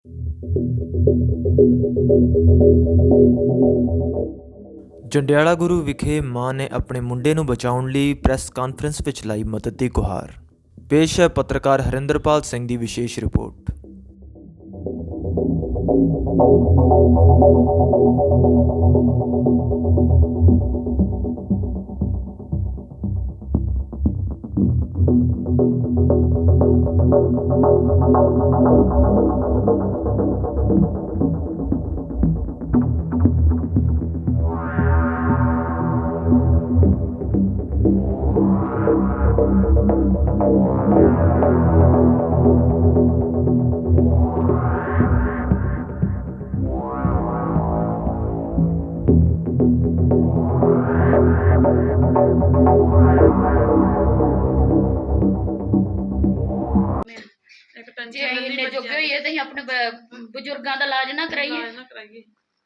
ਜੰਡਿਆਲਾ ਗੁਰੂ ਵਿਖੇ ਮਾਂ ਨੇ ਆਪਣੇ ਮੁੰਡੇ ਨੂੰ ਬਚਾਉਣ ਲਈ ਪ੍ਰੈਸ ਕਾਨਫਰੰਸ ਵਿੱਚ ਲਾਈ ਮਦਦ ਦੀ ਗੁਹਾਰ। ਪੇਸ਼ ਹੈ ਪੱਤਰਕਾਰ ਹਰਿੰਦਰਪਾਲ ਸਿੰਘ ਦੀ ਵਿਸ਼ੇਸ਼ ਰਿਪੋਰਟ। ਜੇ ਅਸੀਂ ਇੰਨੇ ਜੋਗੇ ਹੋਈਏ ਤੇ ਅਸੀਂ ਆਪਣੇ ਬਜ਼ੁਰਗਾਂ ਦਾ ਇਲਾਜ ਨਾ ਕਰਾਈਏ।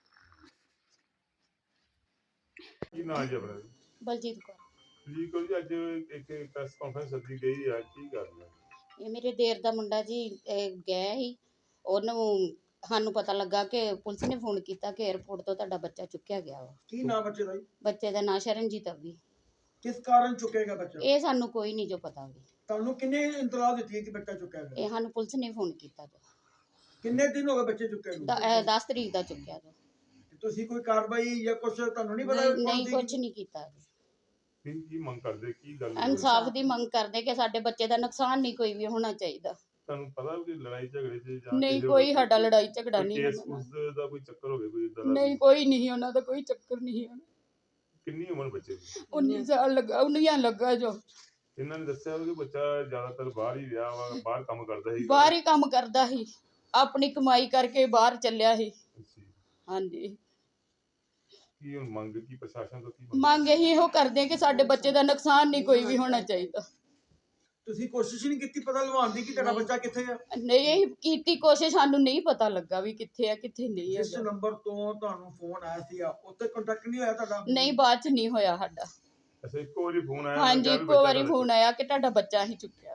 ਕੀ ਨਾਂ ਜੀ ਆਪਣਾ? ਬਲਜੀਤ ਕੌਰ। ਜੀ ਕੋਈ ਅੱਜ ਇੱਕ ਪ੍ਰੈਸ ਕਾਨਫਰੰਸ ਸੱਦੀ ਗਈ ਆ, ਕੀ ਗੱਲ ਹੈ? ਇਹ ਮੇਰੇ ਦੇਰ ਦਾ ਮੁੰਡਾ ਜੀ ਗਿਆ ਸੀ, ਉਹਨੂੰ ਸਾਨੂੰ ਪਤਾ ਲੱਗਾ ਕਿ ਪੁਲਿਸ ਨੇ ਫੋਨ ਕੀਤਾ ਕਿ 에ਅਰਪੋਰਟ ਤੋਂ ਤੁਹਾਡਾ ਬੱਚਾ ਚੁੱਕਿਆ ਗਿਆ ਵਾ। ਕੀ ਨਾਮ ਬੱਚੇ ਦਾ ਜੀ? ਬੱਚੇ ਦਾ ਨਾਂ ਸ਼ਰਨਜੀਤ ਅਵੀ। ਕਿਸ ਕਾਰਨ ਚੁੱਕੇਗਾ ਬੱਚਾ? ਇਹ ਸਾਨੂੰ ਕੋਈ ਨਹੀਂ ਜੋ ਪਤਾ ਵੀ। ਤੁਹਾਨੂੰ ਕਿੰਨੇ ਇੰਤਲਾਹ ਦਿੱਤੀ ਹੈ ਕਿ ਬੱਚਾ ਚੁੱਕਿਆ ਗਿਆ? ਇਹ ਸਾਨੂੰ ਪੁਲਿਸ ਨੇ ਫੋਨ ਕੀਤਾ ਜੋ ਕਿੰਨੇ ਦਿਨ ਹੋ ਗਏ ਬੱਚੇ ਚੁੱਕੇ ਨੂੰ? 10 ਤਰੀਕ ਦਾ ਚੁੱਕਿਆ ਜੋ। ਤੁਸੀਂ ਕੋਈ ਕਾਰਵਾਈ ਜਾਂ ਕੁਝ ਤੁਹਾਨੂੰ ਨਹੀਂ ਪਤਾ? ਨਹੀਂ ਕੁਝ ਨਹੀਂ ਕੀਤਾ। ਕੀ ਮੰਗ ਕਰਦੇ, ਕੀ ਗੱਲ? ਇਨਸਾਫ ਦੀ ਮੰਗ ਕਰਦੇ ਕਿ ਸਾਡੇ ਬੱਚੇ ਦਾ ਨੁਕਸਾਨ ਨਹੀਂ ਕੋਈ ਵੀ ਹੋਣਾ ਚਾਹੀਦਾ। ਤੁਹਾਨੂੰ ਪਤਾ ਕਿ ਲੜਾਈ ਝਗੜੇ ਚ ਜਾਂ ਨਹੀਂ ਕੋਈ ਸਾਡਾ ਲੜਾਈ ਝਗੜਾ ਨਹੀਂ ਕੇਸ ਉਸ ਦਾ ਕੋਈ ਚੱਕਰ ਹੋਵੇ ਕੋਈ ਇਦਾਂ ਦਾ? ਨਹੀਂ ਕੋਈ ਨਹੀਂ, ਉਹਨਾਂ ਦਾ ਕੋਈ ਚੱਕਰ ਨਹੀਂ ਹੈ। ਕਿੰਨੀ ਉਮਰ ਬੱਚੇ ਦੀ? 19 ਸਾਲ ਲੱਗਾ, 19 ਲੱਗਾ ਜੋ। ਇਹਨਾਂ ਨੇ ਦੱਸਿਆ ਕਿ ਬੱਚਾ ਜ਼ਿਆਦਾਤਰ ਬਾਹਰ ਹੀ ਰਿਹਾ ਵਾ, ਬਾਹਰ ਕੰਮ ਕਰਦਾ ਸੀ। ਬਾਹਰ ਹੀ ਕੰਮ ਕਰਦਾ ਸੀ, ਆਪਣੀ ਕਮਾਈ ਕਰਕੇ ਬਾਹਰ ਚੱਲਿਆ ਸੀ। ਅੱਛਾ। ਹਾਂਜੀ। ਕੀ ਹੁਣ ਮੰਗ ਕੀ ਪ੍ਰਸ਼ਾਸਨ ਤੋਂ? ਕੀ ਮੰਗ ਇਹੋ ਕਰਦੇ ਕਿ ਸਾਡੇ ਬੱਚੇ ਦਾ ਨੁਕਸਾਨ ਨਹੀਂ ਕੋਈ ਵੀ ਹੋਣਾ ਚਾਹੀਦਾ। ਤੁਸੀਂ ਕੋਸ਼ਿਸ਼ ਨਹੀਂ ਕੀਤੀ ਪਤਾ ਲਵਾਉਣ ਦੀ ਕਿ ਤੁਹਾਡਾ ਬੱਚਾ ਕਿੱਥੇ ਹੈ? ਨਹੀਂ ਇਹ ਕੀਤੀ ਕੋਸ਼ਿਸ਼, ਸਾਨੂੰ ਨਹੀਂ ਪਤਾ ਲੱਗਾ ਵੀ ਕਿੱਥੇ ਆ ਕਿੱਥੇ ਨਹੀਂ ਹੈ। ਜਿਸ ਨੰਬਰ ਤੋਂ ਤੁਹਾਨੂੰ ਫੋਨ ਆਇਆ ਸੀ ਉੱਤੇ ਕੰਟੈਕਟ ਨਹੀਂ ਹੋਇਆ ਤੁਹਾਡਾ? ਨਹੀਂ ਬਾਅਦ ਚ ਨਹੀਂ ਹੋਇਆ ਸਾਡਾ। ਅੱਛਾ, ਇੱਕੋ ਵਾਰੀ ਫੋਨ ਆਇਆ? ਹਾਂਜੀ ਇੱਕੋ ਵਾਰੀ ਫੋਨ ਆਇਆ ਕਿ ਤੁਹਾਡਾ ਬੱਚਾ ਹੀ ਚੁੱਕਿਆ।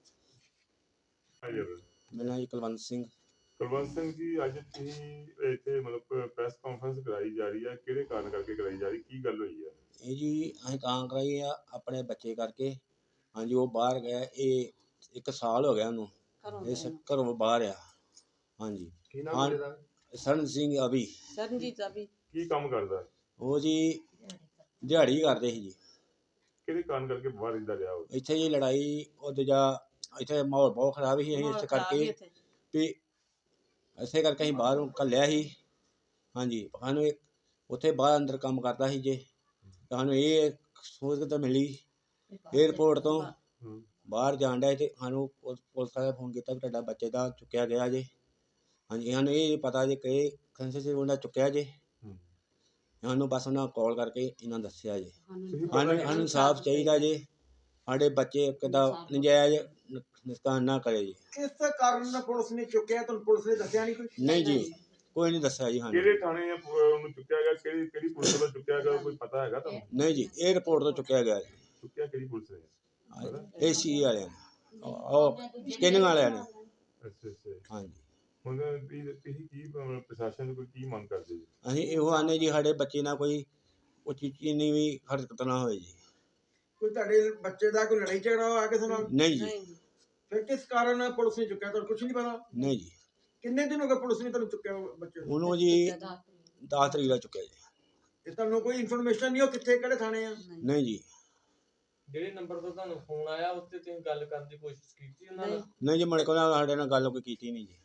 ਮੇਰਾ ਨਾਮ ਜੀ ਕੁਲਵੰਤ ਸਿੰਘ। ਕੁਲਵੰਤ ਸਿੰਘ ਜੀ, ਅੱਜ ਤੁਸੀਂ ਇੱਥੇ ਮਤਲਬ ਪ੍ਰੈਸ ਕਾਨਫਰੰਸ ਕਰਾਈ ਜਾ ਰਹੀ ਹੈ, ਕਿਹੜੇ ਕਾਰਨ ਕਰਕੇ ਕਰਾਈ ਜਾ ਰਹੀ, ਕੀ ਗੱਲ ਹੋਈ ਹੈ? ਇਹ ਜੀ ਅਸੀਂ ਤਾਂ ਕਰਾਈ ਆ ਆਪਣੇ ਬੱਚੇ ਕਰਕੇ। ਹਾਂਜੀ ਉਹ ਬਾਹਰ ਗਿਆ, ਇਹ 1 ਸਾਲ ਹੋ ਗਿਆ ਉਹਨੂੰ ਇਸ ਘਰੋਂ ਬਾਹਰ ਆ। ਹਾਂਜੀ ਕੀ ਨਾਮ ਹੈ ਇਹਦਾ? ਸਰਨ ਸਿੰਘ ਅਭੀ। ਸਰਨਜੀਤ ਅਭੀ। ਕੀ ਕੰਮ ਕਰਦਾ? ਉਹ ਜੀ ਦਿਹਾੜੀ ਕਰਦੇ ਸੀ ਜੀ। ਕਿਹੜੇ ਕਾਰਨ ਕਰਕੇ ਬਾਹਰ ਰਹਿੰਦਾ ਰਿਹਾ ਉਹ? ਇੱਥੇ ਜੀ ਲੜਾਈ ਉਹ ਦੂਜਾ ਇੱਥੇ ਮਾਹੌਲ ਬਹੁਤ ਖਰਾਬ ਸੀ, ਅਸੀਂ ਇਸ ਕਰਕੇ ਵੀ ਇਸੇ ਕਰਕੇ ਅਸੀਂ ਬਾਹਰੋਂ ਘੱਲਿਆ ਸੀ। ਹਾਂਜੀ ਸਾਨੂੰ ਉੱਥੇ ਬਾਹਰ ਅੰਦਰ ਕੰਮ ਕਰਦਾ ਸੀ ਜੇ, ਸਾਨੂੰ ਇਹ ਸਹੂਲਤ ਮਿਲੀ 에ਅਰਪੋਰਟ ਤੋਂ ਬਾਹਰ ਜਾਣ ਡਿਆ ਤੇ ਸਾਨੂੰ ਪੁਲਿਸ ਵਾਲੇ ਫੋਨ ਕੀਤਾ ਵੀ ਤੁਹਾਡਾ ਬੱਚੇ ਦਾ ਚੁੱਕਿਆ ਗਿਆ ਜੇ। ਹਾਂਜੀ ਸਾਨੂੰ ਇਹ ਪਤਾ ਜੇ ਕਿ ਕੰਸੇ ਉਹਨਾਂ ਚੁੱਕਿਆ ਜੇ, ਸਾਨੂੰ ਬਸ ਉਹਨਾਂ ਕਾਲ ਕਰਕੇ ਇਹਨਾਂ ਦੱਸਿਆ ਜੇ। ਸਾਨੂੰ ਇਨਸਾਫ ਚਾਹੀਦਾ ਜੇ, ਸਾਡੇ ਬੱਚੇ ਕਿੱਦਾਂ ਨਜਾਇਜ਼ ਨੁਕਸਾਨ ਨਾ ਕਰੇ ਜੀ। ਕਿਸ ਕਾਰਨ ਪੁਲਿਸ ਨੇ ਚੁੱਕਿਆ ਤੁਹਾਨੂੰ ਪੁਲਿਸ ਨੇ ਦੱਸਿਆ ਨਹੀਂ? ਕੋਈ ਨਹੀਂ ਜੀ ਕੋਈ ਨਹੀਂ ਦੱਸਿਆ ਜੀ ਸਾਨੂੰ। ਕਿਹੜੇ ਥਾਣੇ ਉਹਨੂੰ ਚੁੱਕਿਆ ਗਿਆ, ਕਿਹੜੀ ਪੁਲਿਸ ਵੱਲੋਂ ਚੁੱਕਿਆ ਗਿਆ, ਕੋਈ ਪਤਾ ਹੈਗਾ ਤੁਹਾਨੂੰ? ਨਹੀਂ ਜੀ 에ਅਰਪੋਰਟ ਤੋਂ ਚੁੱਕਿਆ ਗਿਆ ਜੀ। ਚੁੱਕਿਆ ਕਿਹੜੀ ਪੁਲਿਸ ਨੇ? AC ਵਾਲਿਆਂ ਨੇ, ਉਹ ਸਕੈਨਿੰਗ ਵਾਲਿਆਂ ਨੇ। ਅੱਛਾ ਅੱਛਾ। ਹਾਂਜੀ ਹੁਣ ਤੁਸੀਂ ਕੀ ਪ੍ਰਸ਼ਾਸਨ ਤੋਂ ਕੀ ਮੰਗ ਕਰਦੇ ਜੀ? ਅਸੀਂ ਇਹੋ ਆਨੇ ਜੀ ਸਾਡੇ ਬੱਚੇ ਨਾਲ ਕੋਈ ਉੱਚੀ ਨਹੀਂ ਵੀ ਹਰਕਤ ਨਾ ਹੋਵੇ ਜੀ। ਕੋਈ ਤੁਹਾਡੇ ਬੱਚੇ ਦਾ ਕੋਈ ਲੜਾਈ ਝਗੜਾ ਹੋਇਆ ਕਿਸੇ ਨਾਲ? ਨਹੀਂ ਜੀ। ਫਿਰ ਕਿਸ ਕਾਰਨ ਪੁਲਿਸ ਨੇ ਚੁੱਕਿਆ ਤੁਹਾਨੂੰ ਕੁਝ ਨਹੀਂ ਪਤਾ? ਨਹੀਂ ਜੀ। ਕਿੰਨੇ ਦਿਨ ਹੋ ਗਏ ਪੁਲਿਸ ਨੇ ਤੁਹਾਨੂੰ ਚੁੱਕਿਆ ਬੱਚੇ ਨੂੰ? ਉਹਨੂੰ ਜੀ 10 ਤਰੀਕ ਦਾ ਚੁੱਕਿਆ ਜੀ। ਤੇ ਤੁਹਾਨੂੰ ਕੋਈ ਇਨਫੋਰਮੇਸ਼ਨ ਨਹੀਂ ਹੋ ਕਿੱਥੇ ਕਿਹੜੇ ਥਾਣੇ ਆ? ਨਹੀਂ ਜੀ। ਜਿਹੜੇ ਨੰਬਰ ਤੋਂ ਤੁਹਾਨੂੰ ਫੋਨ ਆਇਆ ਉੱਤੇ ਤੁਸੀਂ ਗੱਲ ਕਰਨ ਦੀ ਕੋਸ਼ਿਸ਼ ਕੀਤੀ ਉਹਨਾਂ ਨਾਲ? ਨਹੀਂ ਜੀ ਮੁੜ ਕੇ ਉਹਨਾਂ ਸਾਡੇ ਨਾਲ ਗੱਲ ਕੋਈ ਕੀਤੀ ਨਹੀਂ ਜੀ।